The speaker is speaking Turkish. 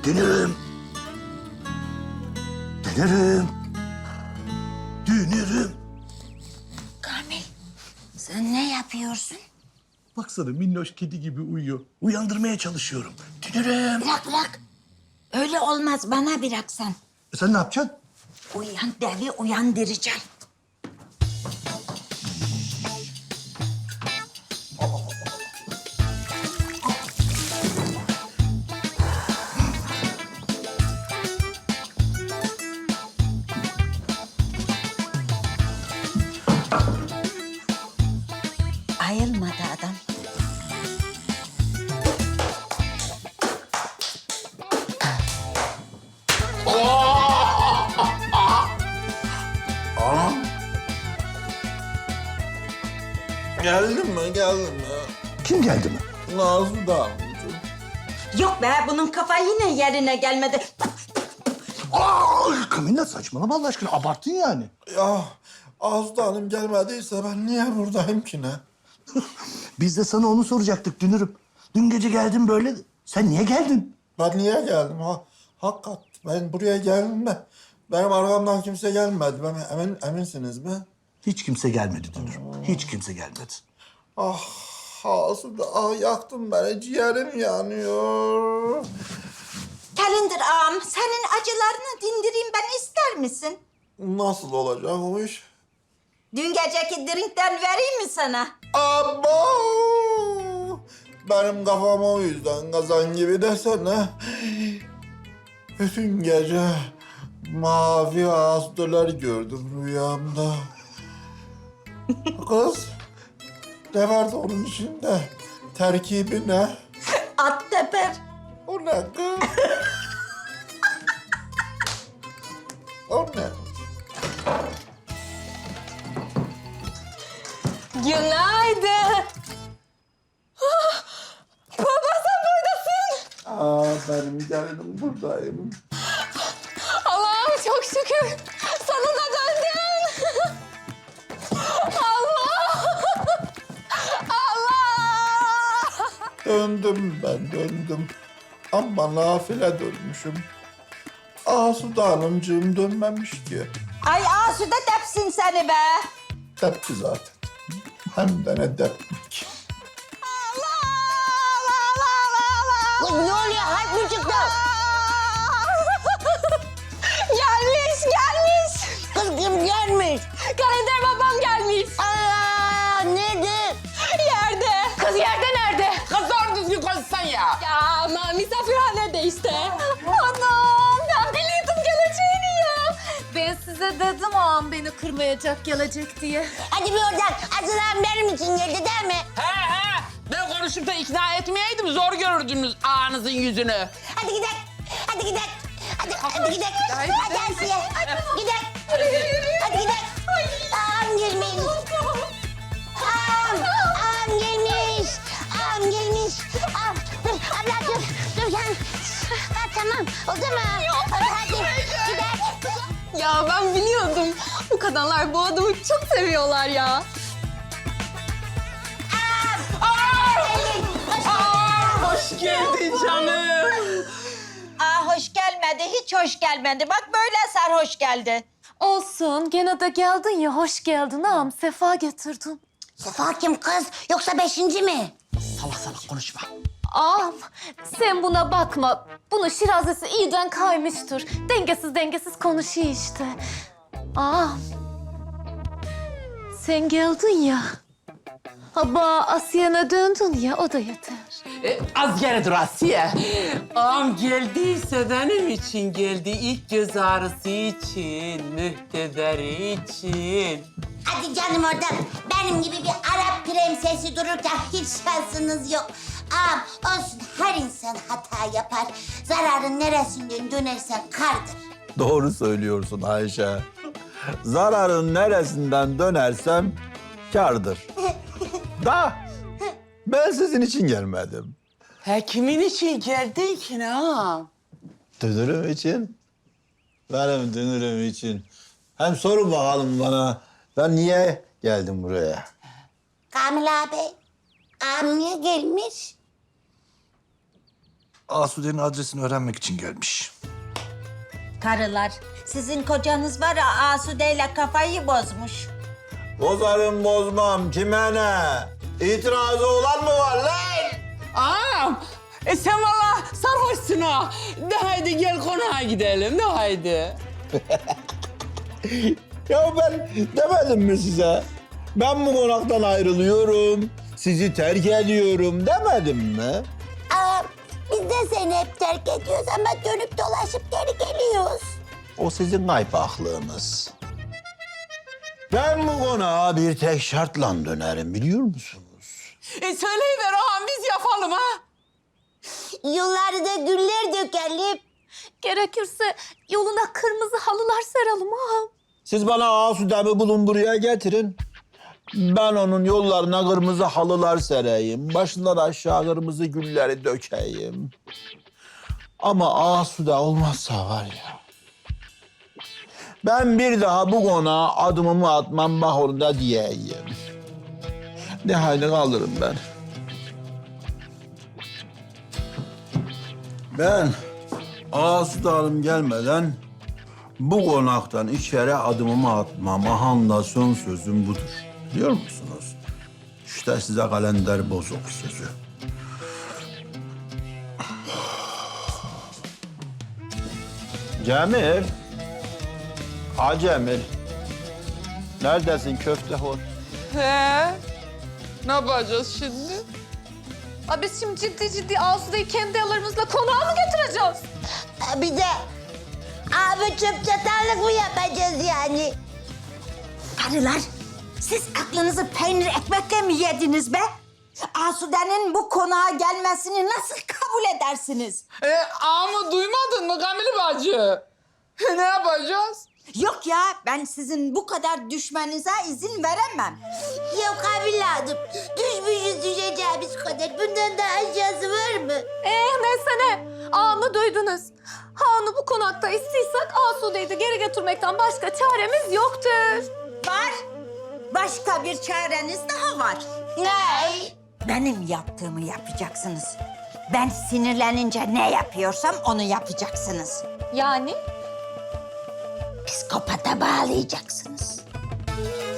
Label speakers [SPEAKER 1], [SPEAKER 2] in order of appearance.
[SPEAKER 1] Dünürüm. Dünürüm. Dünürüm.
[SPEAKER 2] Kamil, sen ne yapıyorsun?
[SPEAKER 1] Baksana minnoş kedi gibi uyuyor. Uyandırmaya çalışıyorum. Dünürüm.
[SPEAKER 2] Bırak. Öyle olmaz, bana bırak sen.
[SPEAKER 1] Sen ne yapacaksın?
[SPEAKER 2] Uyan devi uyandıracağım. Ayılmadı adam.
[SPEAKER 3] Geldin mi? Geldin mi?
[SPEAKER 1] Kim geldi mi?
[SPEAKER 3] Nazlı da amcım.
[SPEAKER 2] Yok be, bunun kafa yine yerine gelmedi.
[SPEAKER 1] Kamilla saçmalama Allah aşkına. Abarttın yani.
[SPEAKER 3] Ya Azda Hanım gelmediyse ben niye buradayım ki ne?
[SPEAKER 1] Biz de sana onu soracaktık Dünürüm. Dün gece geldin böyle. Sen niye geldin?
[SPEAKER 3] Ben niye geldim ha? Hakikat ben buraya geldim de benim arkamdan kimse gelmedi. Eminsiniz mi?
[SPEAKER 1] Hiç kimse gelmedi Dünürüm. Hiç kimse gelmedi.
[SPEAKER 3] Ah Azda yaktın beni, ciğerim yanıyor.
[SPEAKER 2] Kalender ağam, senin acılarını dindireyim ben, ister misin?
[SPEAKER 3] Nasıl olacak o iş?
[SPEAKER 2] Dün geceki drinkten vereyim mi sana?
[SPEAKER 3] Abo! Benim kafam o yüzden kazan gibi desene. Bütün gece mavi astılar gördüm rüyamda. Kız, ne vardı onun içinde? Terkibi ne?
[SPEAKER 2] At teper.
[SPEAKER 3] O ne kız? O ne?
[SPEAKER 4] Günaydın. Baba sen buradasın.
[SPEAKER 3] Benim gelinim buradayım.
[SPEAKER 4] Allah'ım çok şükür. Sonunda döndün. Allah. Allah.
[SPEAKER 3] Döndüm. Ama nafile dönmüşüm. Asude Hanımcığım dönmemiş ki.
[SPEAKER 2] Ay Asude tepsin seni be.
[SPEAKER 3] Tepki zaten. Hem de ne tepki.
[SPEAKER 2] Ne oluyor? Harp mı çıktı?
[SPEAKER 4] Gelmiş.
[SPEAKER 2] Kız kim gelmiş?
[SPEAKER 4] Kalender babam gelmiş.
[SPEAKER 2] Aa, nedir?
[SPEAKER 4] Yerde. Kız yerde nerede?
[SPEAKER 5] Kız doğru düzgün konuşsan ya.
[SPEAKER 4] Ya ama misafirhanede işte. Anam ben biliyordum geleceğini ya. Ben size dedim ağam beni kırmayacak gelecek diye.
[SPEAKER 2] Hadi bir oradan. Aslan benim için geldi değil mi?
[SPEAKER 5] He. Ben konuşup da ikna etmeyeydim zor görürdünüz ağanızın yüzünü.
[SPEAKER 2] Hadi gidelim. Hadi gidelim. Hadi gidelim. Hadi Asiye. Gidelim. Hadi gidelim. Ağam gelmiş. Ağam gelmiş. Ağam gelmiş. Ağam. Dur abla dur. Dur yani. Ha, tamam. Oldu mu? Hadi gidelim.
[SPEAKER 4] Ya ben biliyordum. Bu kadınlar bu adamı çok seviyorlar ya.
[SPEAKER 5] Hoş geldin canım.
[SPEAKER 2] Aa, hoş gelmedi. Hiç hoş gelmedi. Bak böyle sarhoş geldi.
[SPEAKER 4] Olsun gene de geldin ya hoş geldin ağam sefa getirdin.
[SPEAKER 2] Sefa kim kız? Yoksa 5. mi?
[SPEAKER 5] Salak konuşma.
[SPEAKER 4] Ağam sen buna bakma. Bunun şirazesi iyiden kaymıştır. Dengesiz konuşuyor işte. Ağam sen geldin ya. Haba Asiye'ne döndün ya o da yeter.
[SPEAKER 5] Az geri dur Asiye. Ağam geldiyse benim için geldi. İlk göz ağrısı için, mühtederi için.
[SPEAKER 6] Hadi canım oradan. Benim gibi bir Arap prensesi dururken hiç şansınız yok. Ağam olsun, her insan hata yapar. Zararın neresinden dönersen kârdır.
[SPEAKER 7] Doğru söylüyorsun Ayşe. Zararın neresinden dönersem kârdır. Da ben sizin için gelmedim.
[SPEAKER 5] Ha kimin için geldin ki ne ağam?
[SPEAKER 7] Dünürüm için. Benim dünürüm için. Hem sorun bakalım bana. Ben niye geldim buraya?
[SPEAKER 6] Kamil abi, ağam niye gelmiş?
[SPEAKER 1] Asude'nin adresini öğrenmek için gelmiş.
[SPEAKER 6] Karılar, sizin kocanız var ya Asude'yle kafayı bozmuş.
[SPEAKER 7] Bozarım bozmam kime ne? İtirazı olan mı var lan?
[SPEAKER 5] Ağam, sen valla sarhoşsun ha. De haydi gel konağa gidelim, de haydi.
[SPEAKER 7] Ya ben demedim mi size? Ben bu konaktan ayrılıyorum, sizi terk ediyorum demedim mi?
[SPEAKER 6] Aa, biz de seni hep terk ediyoruz ama dönüp dolaşıp geri geliyoruz.
[SPEAKER 7] O sizin kaypaklığınız. Ben bu konağa bir tek şartla dönerim biliyor musunuz?
[SPEAKER 5] Söyleyiver ağam, biz yapalım ha.
[SPEAKER 6] Yollarda da güller dökelim.
[SPEAKER 4] Gerekirse yoluna kırmızı halılar seralım ağam.
[SPEAKER 7] Siz bana Asude'mi bulun buraya getirin. Ben onun yollarına kırmızı halılar sereyim. Başından aşağı kırmızı gülleri dökeyim. Ama Asude olmazsa var ya. Ben bir daha bu konağa adımımı atmam bak onu da diyeyim. Ne halini kalırım ben. Ben Asude Hanım gelmeden bu konaktan içeri adımımı atmam. Ahanda son sözüm budur. Biliyor musunuz? İşte size kalender bozuk sözü. Cemil. Ha Cemil. Neredesin köftehor?
[SPEAKER 5] He, ne yapacağız şimdi?
[SPEAKER 4] Aa, biz şimdi ciddi Asude'yi kendi ellerimizle konağa mı getireceğiz?
[SPEAKER 6] Bir de abi çöp çatarlık mı yapacağız yani? Karılar, siz aklınızı peynir ekmekle mi yediniz be? Asude'nin bu konağa gelmesini nasıl kabul edersiniz?
[SPEAKER 5] Ağamı duymadın mı Kamil bacı? Ne yapacağız?
[SPEAKER 6] Yok ya, ben sizin bu kadar düşmenize izin veremem. Yok evladım, düşmüşüz düşeceğimiz kadar. Bundan daha aşağısı var mı?
[SPEAKER 4] Neyse ne. Ağamı duydunuz. Ha onu bu konakta istiyorsak Asude'yi de geri götürmekten başka çaremiz yoktur.
[SPEAKER 6] Var. Başka bir çareniz daha var. Ne? Benim yaptığımı yapacaksınız. Ben sinirlenince ne yapıyorsam onu yapacaksınız.
[SPEAKER 4] Yani?
[SPEAKER 6] Psikopata bağlayacaksınız.